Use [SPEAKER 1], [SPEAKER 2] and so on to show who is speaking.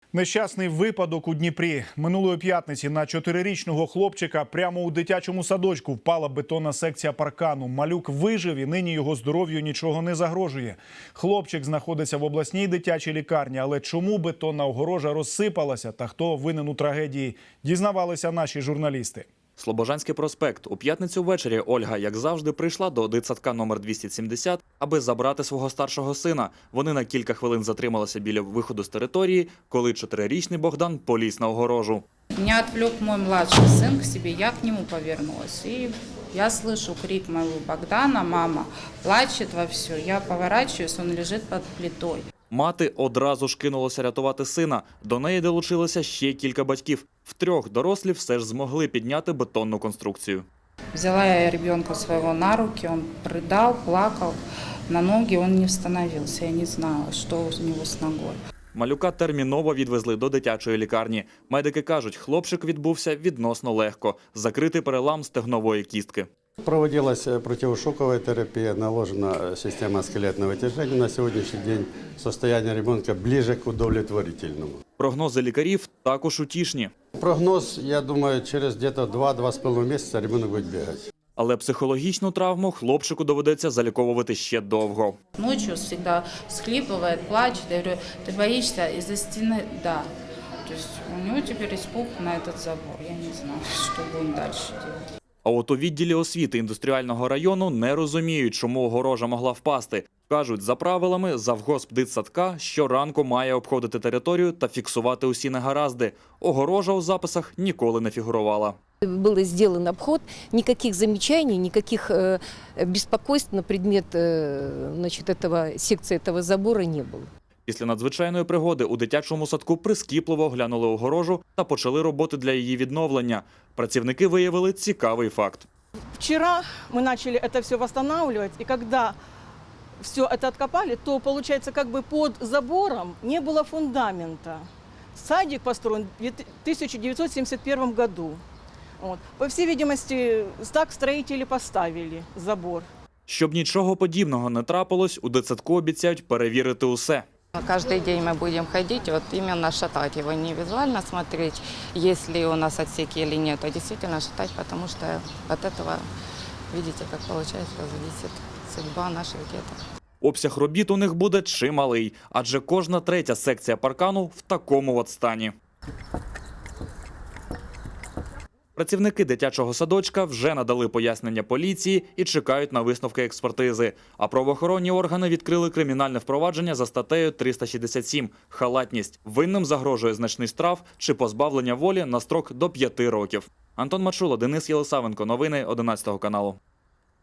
[SPEAKER 1] Нещасний випадок у Дніпрі. Минулої п'ятниці на 4-річного хлопчика прямо у дитячому садочку впала бетонна секція паркану. Малюк вижив і нині його здоров'ю нічого не загрожує. Хлопчик знаходиться в обласній дитячій лікарні. Але чому бетонна огорожа розсипалася та хто винен у трагедії, дізнавалися наші журналісти.
[SPEAKER 2] Слобожанський проспект. У п'ятницю ввечері Ольга, як завжди, прийшла до дитсадка номер 270, аби забрати свого старшого сина. Вони на кілька хвилин затрималися біля виходу з території, коли 4-річний Богдан поліз на огорожу.
[SPEAKER 3] Меня отвлек мой младший сын к себе, я к нему повернулась. И я слышу крик моего Богдана: «Мама!» Плачет вовсю. Я поворачиваюсь, он лежит под плитой.
[SPEAKER 2] Мати одразу ж кинулася рятувати сина. До неї долучилося ще кілька батьків. Втрьох дорослі все ж змогли підняти бетонну конструкцію.
[SPEAKER 3] Взяла я ребенка своего на руки, он рыдал, плакал. На ноги он не становился, я не знала, что у него с ногой.
[SPEAKER 2] Малюка терміново відвезли до дитячої лікарні. Медики кажуть, хлопчик відбувся відносно легко. Закритий перелам стегнової кістки.
[SPEAKER 4] Проводилась противошоковая терапия, наложена система скелетного тяжения. На сегодняшний день состояние ребенка ближе к удовлетворительному.
[SPEAKER 2] Прогнози лікарів також утішні.
[SPEAKER 4] Прогноз, я думаю, через где-то 2-2,5 месяца ребенок будет бегать.
[SPEAKER 2] Але психологічну травму хлопчику доведеться заліковувати ще довго.
[SPEAKER 3] Ночью всегда всхлипывает, плачет. Я говорю: ты боишься из-за стены? Да. То есть у него теперь испуг на этот забор. Я не знаю, что будем дальше делать.
[SPEAKER 2] А от у відділі освіти індустріального району не розуміють, чому огорожа могла впасти. Кажуть, за правилами, завгосп дитсадка щоранку має обходити територію та фіксувати усі негаразди. Огорожа у записах ніколи не фігурувала.
[SPEAKER 5] Был сделан обход, никаких замечаний, никаких беспокойств на предмет секции этого забора не было.
[SPEAKER 2] Після надзвичайної пригоди у дитячому садку прискіпливо оглянули огорожу та почали роботи для її відновлення. Працівники виявили цікавий факт.
[SPEAKER 6] Вчера мы начали это все восстанавливать, и когда все это откопали, то, получается, как бы под забором не было фундамента. Садик построен в 1971 году. Вот. По всей видимости, так строители поставили забор.
[SPEAKER 2] Щоб нічого подібного не трапилось, у дитсадку обіцяють перевірити усе.
[SPEAKER 7] Каждый день мы будем ходить, вот именно шатать его, не визуально смотреть, есть ли у нас отсеки или нет, а действительно шатать, потому что от этого, видите, как получается, зависит судьба наших деток.
[SPEAKER 2] Обсяг робіт у них буде чималий, адже кожна третя секція паркану в такому от стані. Працівники дитячого садочка вже надали пояснення поліції і чекають на висновки експертизи. А правоохоронні органи відкрили кримінальне впровадження за статтею 367 – халатність. Винним загрожує значний штраф чи позбавлення волі на строк до 5 років. Антон Мачула, Денис Єлисавенко. Новини 11 каналу.